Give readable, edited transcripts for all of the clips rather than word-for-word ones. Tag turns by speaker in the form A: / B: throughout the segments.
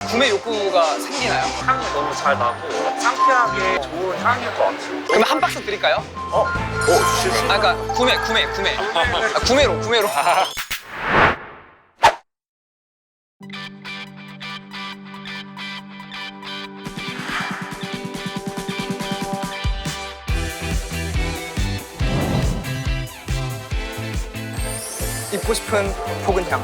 A: 구매 욕구가 생기나요?
B: 향이 너무 잘 나고 상쾌하게 좋은 향일 것 같아요.
A: 그러면 한 박스 드릴까요?
B: 주실
A: 아, 그러니까 구매. 아, 구매로. 입고 싶은 포근향.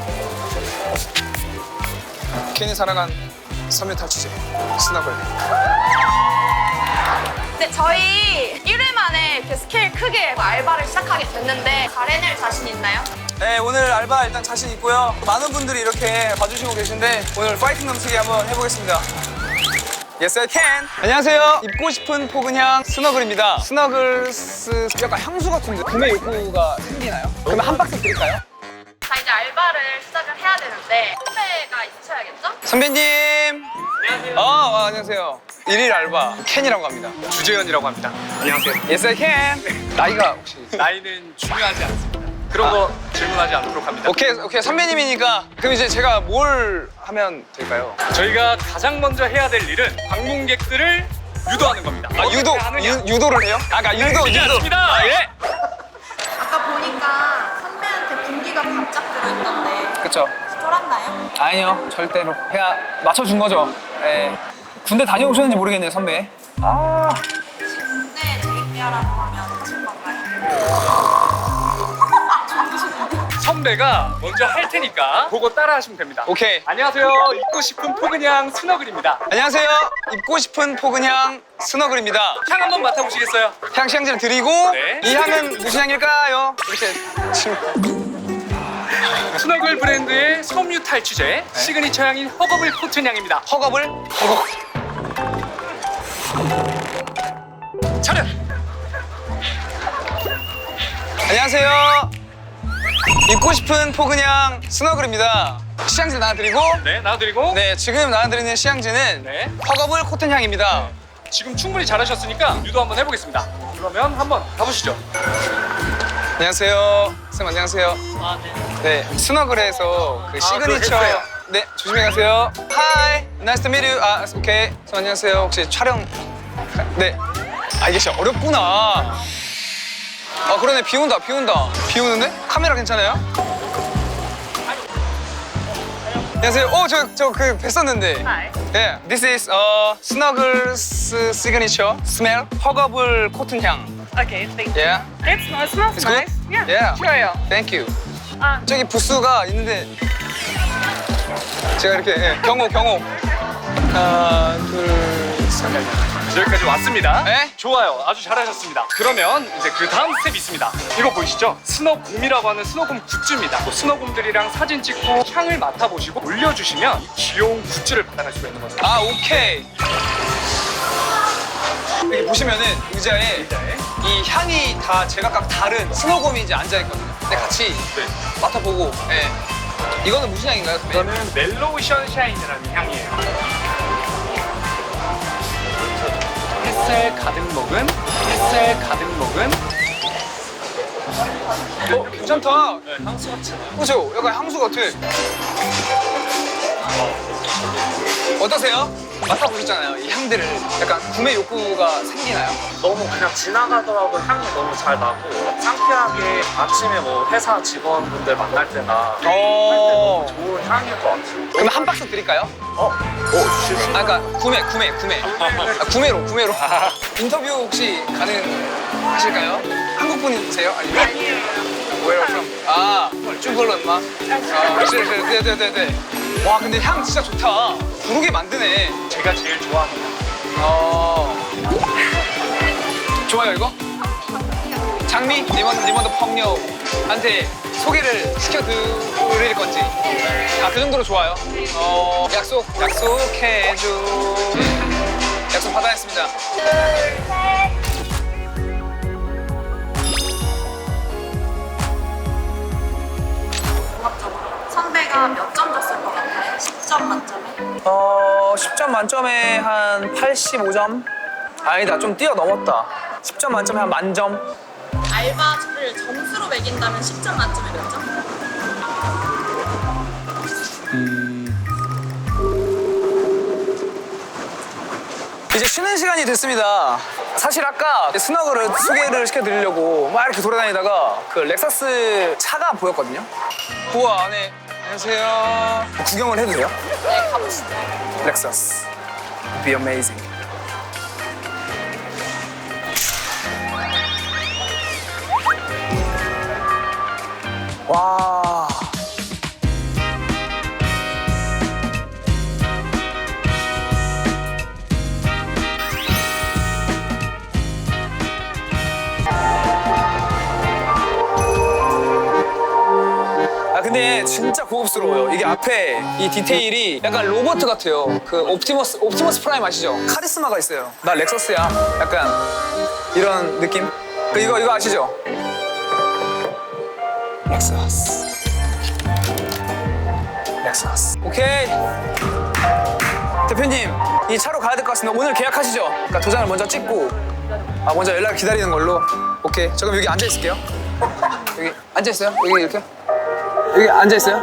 A: 괜히 살아간 섬유 탈취제 스너글.
C: 네, 저희 1회 만에 이렇게 스케일 크게 알바를 시작하게 됐는데 잘 해낼 자신 있나요?
A: 네, 오늘 알바 일단 자신 있고요. 많은 분들이 이렇게 봐주시고 계신데 오늘 파이팅 넘치게 한번 해보겠습니다. Yes, I can. 안녕하세요. 입고 싶은 포근향 스너글입니다. 스너글스 약간 향수 같은데 구매 욕구가 생기나요? 그러면 한 박스 드릴까요?
C: 자, 이제 알바를 시작을 해야 되는데 선배가 있으셔야겠죠?
A: 선배님. 안녕하세요. 안녕하세요. 1일 알바 켄이라고 합니다.
B: 주재현이라고 합니다. 안녕하세요.
A: Yes, I can. 나이가 혹시?
B: 나이는 중요하지 않습니다. 그런 거 질문하지 않도록 합니다.
A: 오케이. 선배님이니까 그럼 이제 제가 뭘 하면 될까요?
B: 저희가 가장 먼저 해야 될 일은 방문객들을 유도하는 겁니다.
A: 아, 유도를 해요? 아, 그러니까 유도.
B: 맞습니다. 예.
C: 아까 보니까 선배한테 분기가 바짝 들어있던데
A: 그쵸.
C: 쫄았나요?
A: 아니요, 절대로. 그냥 맞춰준 거죠. 예. 군대 다녀오셨는지 모르겠네요, 선배. 아.
C: 군대 재입대하라고 하면 하실 건가요?
B: 선배가 먼저 할 테니까 보고 따라 하시면 됩니다.
A: 오케이.
B: 안녕하세요. 입고 싶은 포근향 스너글입니다.
A: 안녕하세요. 입고 싶은 포근향 스너글입니다.
B: 향 한번 맡아보시겠어요?
A: 향 시향지를 드리고
B: 네.
A: 이 향은 무슨 향일까요? 이렇게 지금
B: 스너글 브랜드의 섬유 탈취제 시그니처 향인 허거블 코튼 향입니다.
A: 허겁을
B: 차렷!
A: 안녕하세요. 입고 싶은 포근향 스너글입니다. 시향지를 나눠드리고
B: 네, 나눠드리고
A: 네, 지금 나눠드리는 시향지는
B: 네.
A: 허겁을 코튼 향입니다.
B: 지금 충분히 잘하셨으니까 유도 한번 해보겠습니다. 그러면 한번 가보시죠.
A: 안녕하세요. 쌤 안녕하세요.
B: 아, 네.
A: 네, 스너글에서 그 시그니처.
B: 그거 했어요.
A: 네, 조심히 가세요. Hi, nice to meet you. 아, 오케이. 선 안녕하세요. 혹시 촬영? 네. 아, 이게 진짜 어렵구나. 아, 그러네. 비 온다. 비 오는데? 카메라 괜찮아요? 안녕하세요. 저 그 뵀었는데.
C: Hi.
A: Yeah, this is Snuggles signature smell. 허겁을 코튼 향.
C: Okay, thank you.
A: Yeah.
C: It smells
A: It's good? Yeah.
C: 좋아요.
A: Thank you.
C: 아,
A: 저기 부스가 있는데 제가 이렇게 경호 하나 둘셋
B: 여기까지 왔습니다.
A: 네?
B: 좋아요. 아주 잘하셨습니다. 그러면 이제 그 다음 스텝 있습니다. 이거 보이시죠? 스너곰이라고 하는 스너곰 굿즈입니다. 또 스너곰들이랑 사진 찍고 향을 맡아보시고 올려주시면 이 귀여운 굿즈를 받아갈 수가 있는 거죠.
A: 아, 오케이. 여기 보시면은 의자에 이 향이 다 제각각 다른 스노곰이 이제 앉아있거든요. 근데 같이
B: 네.
A: 맡아보고 이거는 무슨 향인가요, 선배님?
B: 이거는 멜로우 션샤인이라는 향이에요. 햇살 가득 먹은
A: 괜찮다.
B: 네, 향수 같잖아요.
A: 그죠? 약간 향수 같아. 어떠세요? 맡아보셨잖아요. 이 향들을 약간 구매 욕구가 생기나요?
D: 너무 그냥 지나가더라도 향이 너무 잘 나고 상쾌하게 아침에 뭐 회사 직원분들 만날 때나 할 때 너무 좋은 향일 것 같아요.
A: 그러면 한 박스 드릴까요?
D: 주실 수
A: 아, 그러니까 구매. 아, 구매로. 인터뷰 혹시 가능하실까요? 한국 분이세요? 아니면? Where from? 아, 쭈글런마? 네. 와, 근데 향 진짜 좋다. 부르게 만드네.
B: 제가 제일 좋아합니다.
A: 좋아요, 이거? 장미? 니먼도 펑녀한테 소개를 시켜드릴 건지. 아, 그 정도로 좋아요? 약속해줘. 약속 받아냈습니다.
C: 선배가 몇 점 줬을 것 같아요? 10점 만점에?
A: 10점 만점에 한 85점? 아니다, 좀 뛰어넘었다. 10점 만점에 한 만점?
C: 알바를 점수로 매긴다면 10점 만점에 몇 점?
A: 이제 쉬는 시간이 됐습니다. 사실 아까 스너그를 소개를 시켜드리려고 막 이렇게 돌아다니다가 그 렉사스 차가 보였거든요. 우와, 안에 안녕하세요. 구경을 해도 돼요?
C: 네, 가보시죠.
A: 렉사스. Be amazing. 와. 아 근데 진짜 고급스러워요. 이게 앞에 이 디테일이 약간 로봇 같아요. 그 옵티머스 프라임 아시죠? 카리스마가 있어요. 나 렉서스야. 약간 이런 느낌. 그 이거 아시죠? 렉서스. 렉서스. 오케이. 대표님, 이 차로 가야 될 것 같습니다. 오늘 계약하시죠? 그러니까 도장을 먼저 찍고 먼저 연락을 기다리는 걸로. 오케이. 저 그럼 여기 앉아 있을게요. 여기 앉아 있어요? 여기 이렇게. 여기 앉아있어요?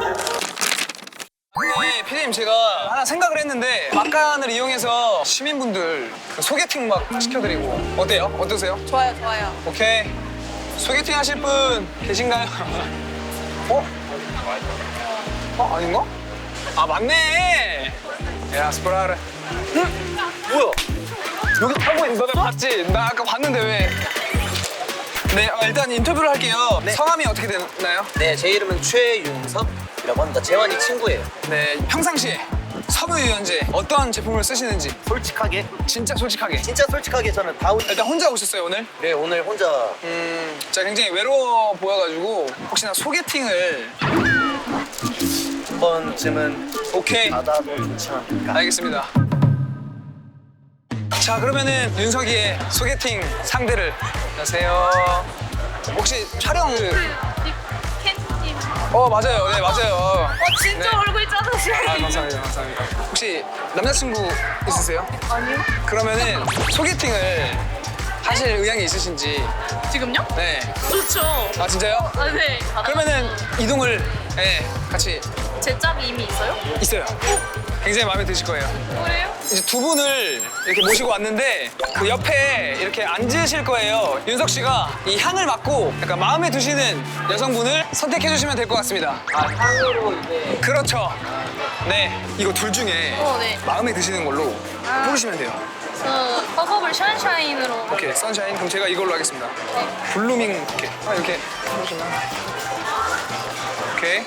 A: 네, 피디님 제가 하나 생각을 했는데 막간을 이용해서 시민분들 소개팅 막 시켜드리고 어때요? 어떠세요?
C: 좋아요, 좋아요.
A: 오케이. 소개팅 하실 분 계신가요? 어? 아닌가? 아 맞네. 야 스프라르. 응? 뭐야? 여기 타고 있는 너 내가 봤지? 나 아까 봤는데 왜? 네, 일단 인터뷰를 할게요.
E: 네.
A: 성함이 어떻게 되나요?
E: 네, 제 이름은 최윤섭이라고 합니다. 재환이 친구예요.
A: 네, 평상시에 섬유유연제 어떤 제품을 쓰시는지
E: 솔직하게,
A: 진짜 솔직하게.
E: 진짜 솔직하게 저는 다운.
A: 일단 혼자 오셨어요 오늘?
E: 네, 오늘 혼자
A: 제가 굉장히 외로워 보여가지고 혹시나 소개팅을
E: 한 번쯤은
A: 오케이
E: 받아도 좋지 않을까.
A: 알겠습니다. 자 그러면은 윤석이의 소개팅 상대를 안녕하세요. 혹시 촬영
C: 캔님.
A: 맞아요 네 맞아요.
C: 진짜
A: 네.
C: 얼굴 짜으시네.
A: 아 감사합니다 감사합니다. 혹시 남자친구 있으세요?
C: 아니요.
A: 그러면은 소개팅을 하실 의향이 있으신지.
C: 지금요?
A: 네.
C: 좋죠.
A: 아 진짜요?
C: 아, 네.
A: 그러면은 이동을 같이
C: 제 짝이 이미 있어요?
A: 있어요. 굉장히 마음에 드실 거예요.
C: 그래요?
A: 이제 두 분을 이렇게 모시고 왔는데 그 옆에 이렇게 앉으실 거예요. 윤석 씨가 이 향을 맡고 약간 마음에 드시는 여성분을 선택해 주시면 될 것 같습니다.
E: 아, 향으로 이제
A: 그렇죠. 네, 이거 둘 중에
C: 네.
A: 마음에 드시는 걸로 고르시면 돼요.
C: 저 허벅을 샤인샤인으로.
A: 오케이, 선샤인. 그럼 제가 이걸로 하겠습니다. 블루밍 부케. 이렇게 해주시면. 오케이.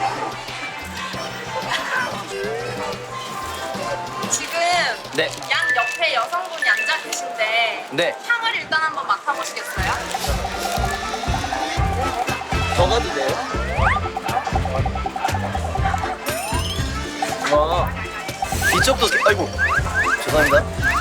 C: 지금
E: 네,
C: 양 옆에 여성분이 앉아 계신데
E: 네,
C: 향을 일단 한번 맡아보시겠어요?
E: 더 가도 돼요? 이쪽도 아이고 죄송합니다.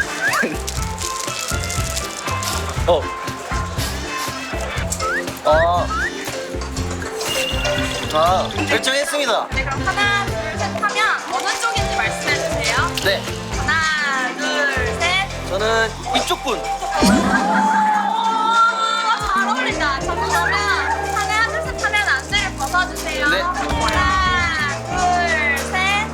E: 결정했습니다.
C: 네, 그럼 하나, 둘, 셋 하면 어느 쪽인지 말씀해 주세요.
E: 네,
C: 하나, 둘, 셋.
E: 저는 이쪽 분.
C: 잘 어울린다. 저도 그러면 하나, 둘, 셋 하면 안대를 벗어주세요.
E: 네.
C: 하나, 둘, 셋.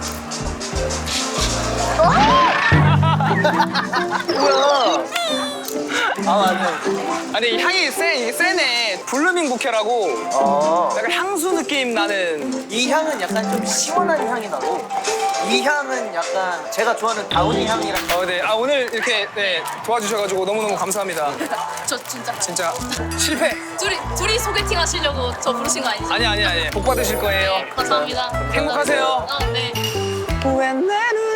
E: 뭐야? 맞네.
A: 아니 이 향이 이게 세네. 블루밍 부케라고 약간 향수 느낌 나는.
E: 이 향은 약간 좀 시원한 향이 나고 이 향은 약간 제가 좋아하는 다운이 향이랑
A: 네. 오늘 이렇게 도와주셔가지고 너무너무 감사합니다.
C: 저 진짜
A: 진짜 실패.
C: 둘이 소개팅 하시려고 저 부르신 거 아니죠?
A: 아니. 복 받으실 거예요.
C: 감사합니다.
A: 행복하세요.
C: 네.
A: When 내